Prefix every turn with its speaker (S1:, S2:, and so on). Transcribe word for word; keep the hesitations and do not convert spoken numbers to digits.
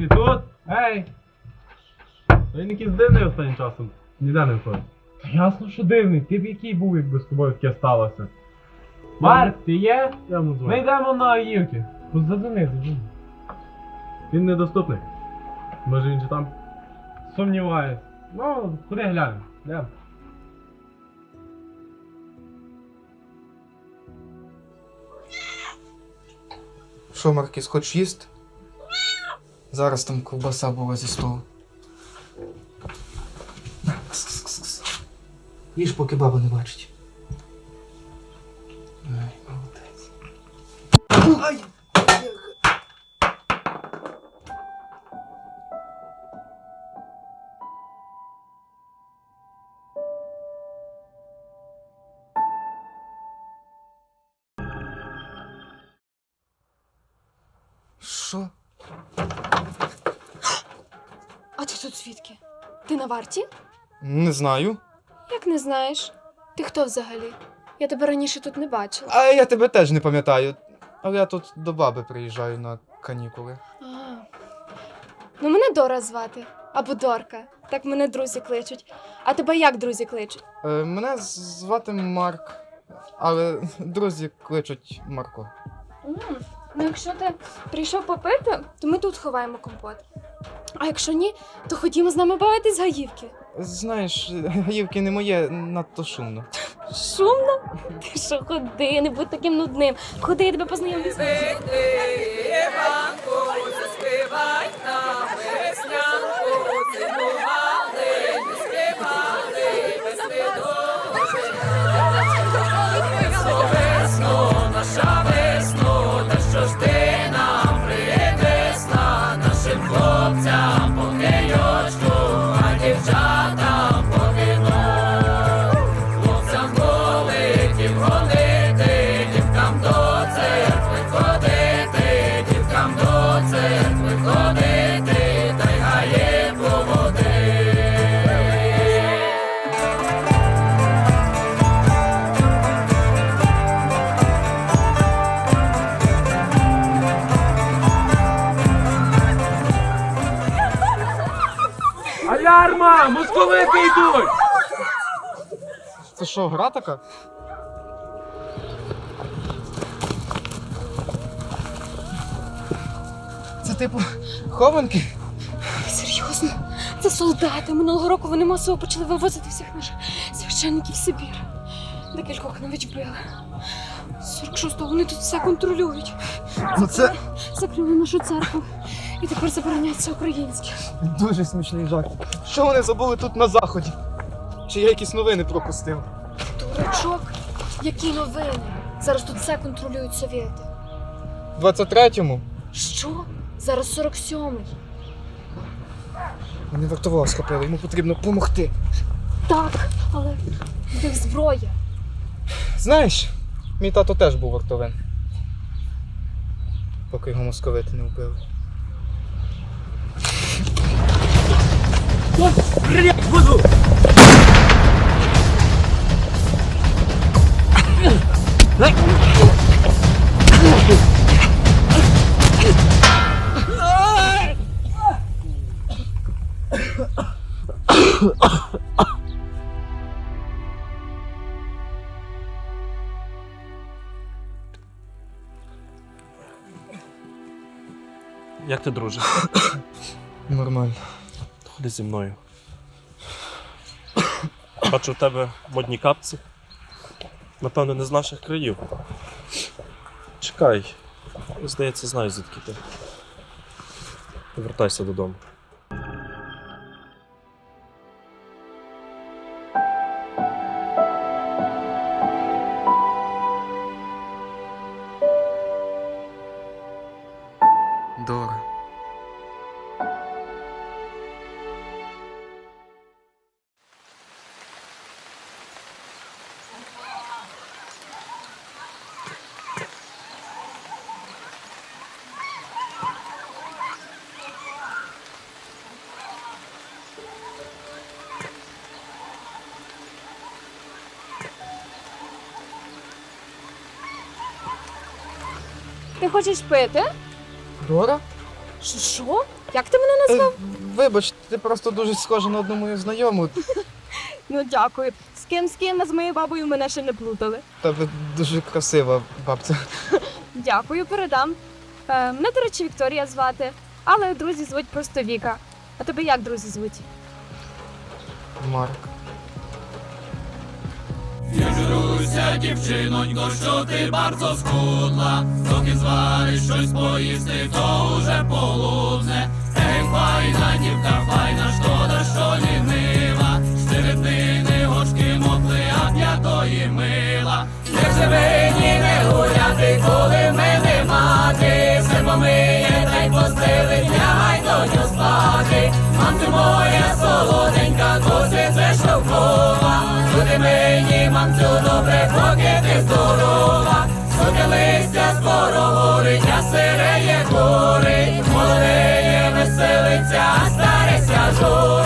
S1: Ти тут? Ей! Він якийсь дивний останнім часом. Ніде не входить. Та ясно, що дивний. Ти б який був, якби з тобою таке сталося. Марк, ти є? Я йому дзвоню. Ми йдемо на Аївки. Задзвони, задзвони. Він недоступний. Може він же там? Сумніваюсь. Ну, куди глянемо? Йдемо.
S2: Що, Маркіс, хочеш їсти? Зараз там ковбаса була зі столу. Їж, поки баба не бачить. Ай, молодець. Ай! Що?
S3: А ти тут звідки? Ти на варті?
S2: Не знаю.
S3: Як не знаєш? Ти хто взагалі? Я тебе раніше тут не бачила.
S2: А я тебе теж не пам'ятаю. Але я тут до баби приїжджаю на канікули.
S3: А. Ну, мене Дора звати. Або Дорка. Так мене друзі кличуть. А тебе як друзі кличуть?
S2: Е, мене звати Марк, але друзі кличуть Марко.
S3: М, Ну, якщо ти прийшов попити, то ми тут ховаємо компот. А якщо ні, то ходімо з нами бавитись з гаївки.
S2: Знаєш, гаївки не моє, надто шумно.
S3: Шумно? Ти що, ходи, не будь таким нудним. Ходи, я тебе познайомлю з ним.
S1: Алярма! Московити йдуть!
S2: Це що, гра така? Це типу хованки?
S3: Серйозно? Це солдати. Минулого року вони масово почали вивозити всіх наших священників в Сибір. Декількох навіть вбили. З сорок шостого вони тут все контролюють.
S2: Ну це
S3: Закрили нашу церкву. І тепер забороняється українське.
S2: дуже смішний жарт. Що вони забули тут на заході? Чи я якісь новини пропустив?
S3: Дурачок, які новини? Зараз тут все контролюють совєти.
S2: В двадцять третьому
S3: Що? Зараз сорок сьомий.
S2: вони вартового схопили, йому потрібно допомогти.
S3: Так, але в них зброя.
S2: Знаєш, мій тато теж був вартовим. Поки його московити не вбили.
S4: Як ти, друже?
S2: Нормально.
S4: Ходи зі мною. Бачу, в тебе модні капці. Напевно, не з наших країв. Чекай. Здається, знаю, звідки ти. Повертайся додому.
S2: Дора.
S3: Ти хочеш пити?
S2: Дора?
S3: Ш- Що? Як ти мене назвав?
S2: Е, Вибач, ти просто дуже схожа на одну мою знайому.
S3: Ну дякую. З ким з ким, а з моєю бабою мене ще не плутали.
S2: Тебе дуже красива бабця.
S3: Дякую, передам. Е, мене, до речі, Вікторія звати, але друзі звуть просто Віка. А тебе як друзі звуть?
S2: Марк.
S5: Зіжуся, дівчинонько, що ти bardzo скудла, доки звариш щось поїсти, то уже полудне. Ей, файна дівка, файна, шкода, що лінива, щерепини, гочки, мотли, а п'ятої мила. Не живині, не гуляти, коли в мене мати, все помиє, та й постелить, лягай доню спати. Мамцю моя солоденька, досить це штовхова, люди мені, мамцю, добре, поки ти здорова. Соки листя скоро горить, а сиреє горить, молодеє веселиться, а стареся журить.